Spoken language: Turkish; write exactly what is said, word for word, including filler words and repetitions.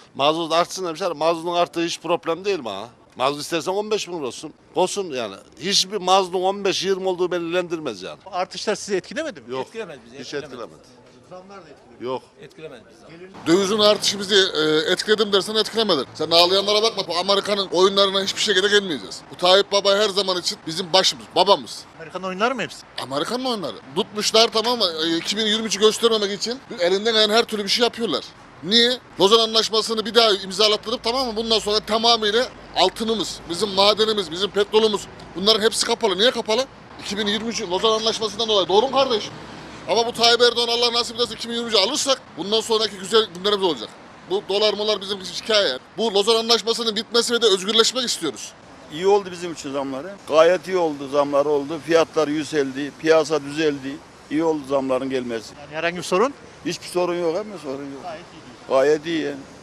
Mazot artsın demişler. Mazotun arttığı hiç problem değil mi ha? Mazot istersen on beş bin lira olsun. Olsun yani. Hiçbir mazotun on beş yirmi olduğu beni ilgilendirmez yani. Bu artışlar sizi etkilemedi mi? Yok. Etkilemez bizi. Hiç etkilemez. etkilemedi. Zamlar da etkiledi. Yok. Etkilemez bizi. Dövizin artışı bizi e, etkiledim dersen etkilemedi. Sen ağlayanlara bakma. Bu Amerika'nın oyunlarına hiçbir şekilde gelmeyeceğiz. Bu Tayyip Baba her zaman için bizim başımız, babamız. Amerikan oyunları mı hepsi? Amerika'nın oyunları. Tutmuşlar tamam mı? E, iki bin yirmi üçü göstermemek için elinden gelen her türlü bir şey yapıyorlar. Niye? Lozan Anlaşması'nı bir daha imzalattırıp tamam mı? Bundan sonra tamamıyla altınımız, bizim madenimiz, bizim petrolümüz bunların hepsi kapalı. Niye kapalı? iki bin yirmi üç Lozan Anlaşması'ndan dolayı. Doğru mu kardeş? Ama bu Tayyip Erdoğan Allah nasip ederse iki bin yirmi üçü alırsak bundan sonraki güzel günlerimiz olacak. Bu dolar molar bizim hikaye. Bu Lozan Anlaşması'nın bitmesi ve de özgürleşmek istiyoruz. İyi oldu bizim için zamları. Gayet iyi oldu, zamlar oldu. Fiyatlar yükseldi, piyasa düzeldi. İyi oldu zamların gelmesi. Yani herhangi bir sorun? Hiçbir sorun yok ama sorun yok. Gayet iyi. Gayet iyi yani.